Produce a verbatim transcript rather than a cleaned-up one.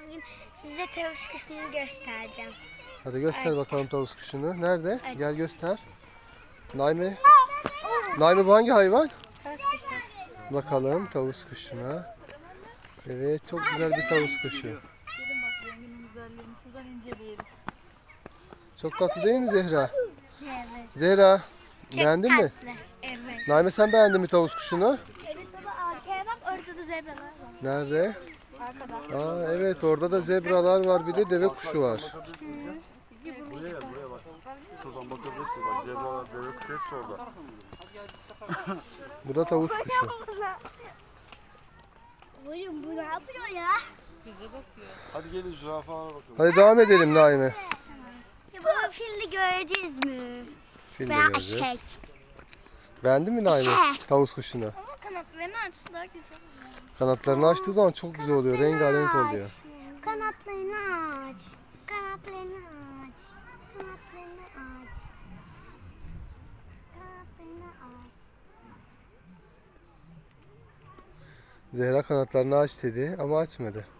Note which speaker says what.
Speaker 1: bugün size tavus kuşunu göstereceğim.
Speaker 2: Hadi göster
Speaker 1: Evet.
Speaker 2: bakalım tavus kuşunu. Nerede?
Speaker 1: Evet.
Speaker 2: Gel göster. Naime. Naime bu hangi hayvan?
Speaker 1: Tavus kuşu.
Speaker 2: Bakalım tavus kuşuna. Evet, çok güzel bir tavus kuşu.
Speaker 3: Gelin bak renginin güzelliğini şuradan inceleyelim.
Speaker 2: Çok tatlı değil mi Zehra?
Speaker 1: Evet.
Speaker 2: Zehra,
Speaker 1: Çok
Speaker 2: beğendin mi?
Speaker 1: tatlı. Evet.
Speaker 2: Naime sen beğendin mi tavus kuşunu?
Speaker 1: Evet baba arkaya bak orada da zebralar var.
Speaker 2: Nerede?
Speaker 1: Arkada.
Speaker 2: Aa evet, orada da zebralar var, bir de deve kuşu var.
Speaker 4: Buraya gel, buraya bak. Şuradan bakabilirsin bak, zebralar, deve kuşu hepsi orada.
Speaker 2: Bu da tavus kuşu.
Speaker 1: Oğlum bu ne yapıyor ya?
Speaker 3: Bize bakıyor.
Speaker 4: Hadi gelin zürafalara bakalım.
Speaker 2: Hadi devam edelim Naime.
Speaker 1: Ya baba filli göreceğiz mi?
Speaker 2: Fil de
Speaker 1: Veya
Speaker 2: göreceğiz.
Speaker 1: eşek.
Speaker 2: Beğendin mi Naime
Speaker 1: Eşek.
Speaker 2: tavus kuşunu?
Speaker 1: Ama kanatlarını açtı daha güzel.
Speaker 2: Kanatlarını açtığı zaman çok güzel oluyor, rengarenk oluyor.
Speaker 1: Kanatlarını aç. Kanatlarını aç. Kanatlarını aç. Kanatlarını aç.
Speaker 2: Zehra kanatlarını aç dedi ama açmadı.